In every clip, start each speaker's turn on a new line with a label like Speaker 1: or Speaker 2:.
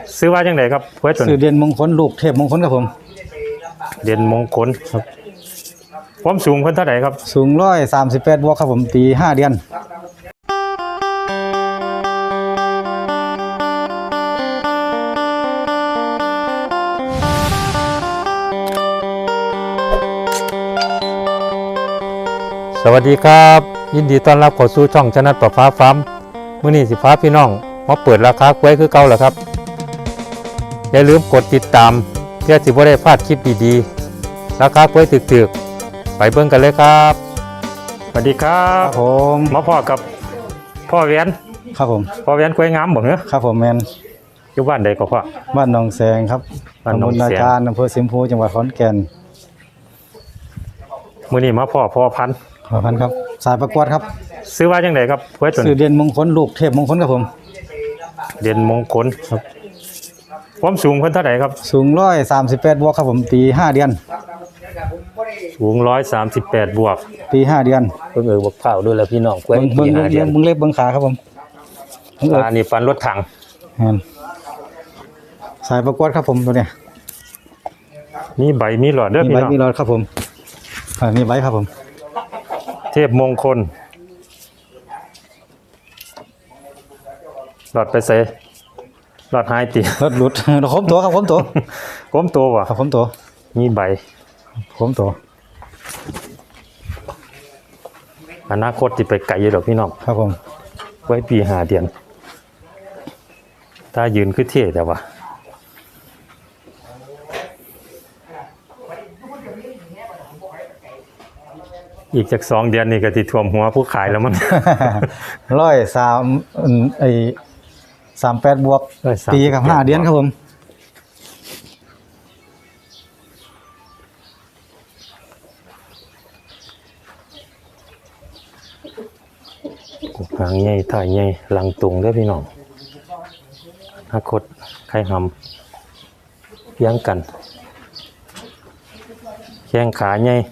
Speaker 1: ซื้อว่าจังไดครับกล้วยตัว
Speaker 2: ซื้อ
Speaker 1: นี้
Speaker 2: เด่นมงคลลูกเทพมงคลครับผม
Speaker 1: เด่นมงคลครับความสูงเพิ่นเท่าไหร่ครับ
Speaker 2: สูง138บวกครับผมปี5 เดือน
Speaker 1: สวัสดีครับยินดีต้อนรับเข้าสู่ช่องชนะประฟ้าฟาร์มมื้อนี้สิพาพี่น้องมาเปิดราคากล้วยคือเก่าแล้วครับอย่าลืมกดติดตามเพื่อสิบ่ได้พลาดคลิปดีๆราคากล้วยถึกๆไปเบิ่งกันเลยครับสวัสดีครั
Speaker 2: ครับ บผม
Speaker 1: มาพ่อกับพ่อแหวน
Speaker 2: ครับผม
Speaker 1: พ่อแหวนกล้วยงามบ่เหรอ
Speaker 2: ครับผมแมน
Speaker 1: อยู่บ้านใดก็พ่อ
Speaker 2: บ้านหนองแสงครับ
Speaker 1: บ้านหนองแสง
Speaker 2: ตำบลนาการอำเภอสิมพูจังหวัดขอนแก่น
Speaker 1: มื้อนี้มาพ่อพันธุ์
Speaker 2: ขอพันครับสายประกวดครับ
Speaker 1: ซื้อว่าจังไดครับกล้วยตัว
Speaker 2: ซื้อ
Speaker 1: นี้
Speaker 2: เด่นมงคลลูกเทพมงคลครับผม
Speaker 1: เด่นมงคลครับความสูงเพิ่นเท่าไหร่ครับ
Speaker 2: สูง138บวกครับผมปี5 เดือน
Speaker 1: สูง138บวก
Speaker 2: ปี5 เดือน
Speaker 1: เพิ่งบักเผาด้วยแล้วพี่น้องกล้วย
Speaker 2: เบิ่ง
Speaker 1: หาเดือน
Speaker 2: เล็บเบิ่งขาครับผมเบิ่ง
Speaker 1: อันนี้ฟันรถถัง
Speaker 2: แม่นสายประกวดครับผมตัวเนี้ย
Speaker 1: มีใบมีหลอดเด้อ
Speaker 2: มี
Speaker 1: พี่
Speaker 2: ใบ
Speaker 1: น้อง
Speaker 2: มีรอดครับผมนี่ใบครับผม
Speaker 1: เทพมงคลหลอดไปใส่หลอดหายติ
Speaker 2: รถหลุด คมตัวครับคมตัว
Speaker 1: ก้มตัววะ
Speaker 2: ครับคมตัว
Speaker 1: มีใบ
Speaker 2: คมตัว
Speaker 1: อนาคตที่ไปไกลอยู่ดอกพี่น้อง
Speaker 2: ครับผม
Speaker 1: ไว้ปี5 เดือนถ้ายืนคือเท่แต่ว่าอีกจาก2 เดือนนี่ก็ติท่วมหัวผู้ขายแล้วมั้ง
Speaker 2: 38บวก
Speaker 1: 138
Speaker 2: ปีกับ5 เดือนครับผม
Speaker 1: หางใหญ่ถ่ายใหญ่หลังตุงเด้อพี่น้องอนาคตใครทำเลี้ยงกันแข้งขาใหญ่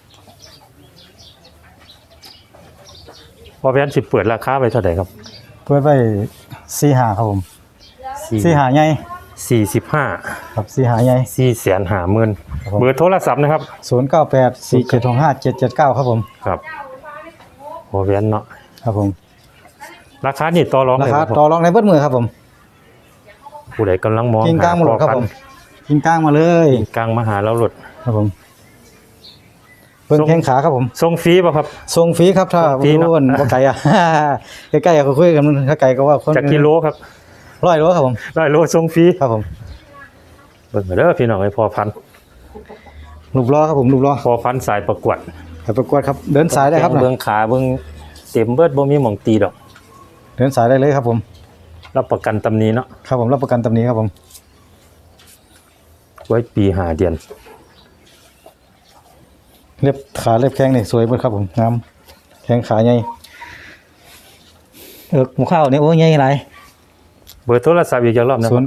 Speaker 1: พอแวนสิเปิดราคาไปเท่าไหร่ครับ
Speaker 2: เปิดไป45ครับผม45ใหญ่
Speaker 1: 45
Speaker 2: ครับ45ใหญ่
Speaker 1: 450,000
Speaker 2: ครับผม
Speaker 1: เบอร์โทรศัพท์นะครับ
Speaker 2: 0984765779ครับผม
Speaker 1: ครับพอแวนเนาะ
Speaker 2: ครับผม
Speaker 1: ราคานี่ต่อรอง
Speaker 2: รา
Speaker 1: เลย
Speaker 2: คา
Speaker 1: บ่
Speaker 2: ต่อรองในเบิดมือครับผม
Speaker 1: ผู้ใดกำลังมอง
Speaker 2: กินกลางมาหลดครับผมกินกลางมาเลย
Speaker 1: กินกลางมาหาเราหลด
Speaker 2: ครับผมเพิ่งแข้งขาครับผม
Speaker 1: ส่งฟรีป่ะครับ
Speaker 2: ส่งฟรีครับถ้า
Speaker 1: ส่งฟรีเนอะ
Speaker 2: รู้ว่าบ่ไกลอ่ะ ใกล้ๆก็คุยกันถ้าไกลก็ว่าคน
Speaker 1: จากกิโลครับ
Speaker 2: 100 โลครับผม
Speaker 1: 100 โลส่งฟรี
Speaker 2: ครับผม
Speaker 1: เบิ่งเด้อพี่น้องไอ้พอพันธุ์
Speaker 2: รูปล้อครับผมรูปล้อ
Speaker 1: พอพันธุ์สายประกวด
Speaker 2: ไปประกวดครับเดินสายได้ครับนะ
Speaker 1: เบิ่งขาเบิ่งเต็มเบิดบ่มีหม่องตีดอก
Speaker 2: เดินสายได้เลยครับผม
Speaker 1: รับประกันตำหนี้เนาะ
Speaker 2: ครับผมรับประกันตำหนี้ครับผม
Speaker 1: ไว้ปี5 เดือน
Speaker 2: เล็บขาเล็บแข้งนี่สวยเบิดครับผมงามแข้งขาใหญ่หมูข้าวนี่โอ้ใหญ่หลาย
Speaker 1: เบอร์โทรศัพท์อีกจักรอบนะครับ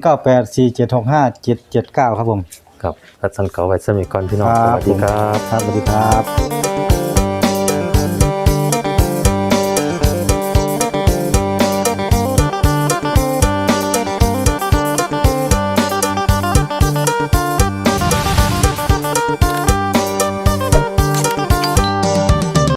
Speaker 2: 0984765779ครับผม
Speaker 1: ครับทัดสันเก่าไว้สมิก่อนพี่น้อง
Speaker 2: ค
Speaker 1: ส
Speaker 2: รับ
Speaker 1: วัสดีครับ
Speaker 2: ครับสวัสดีครับ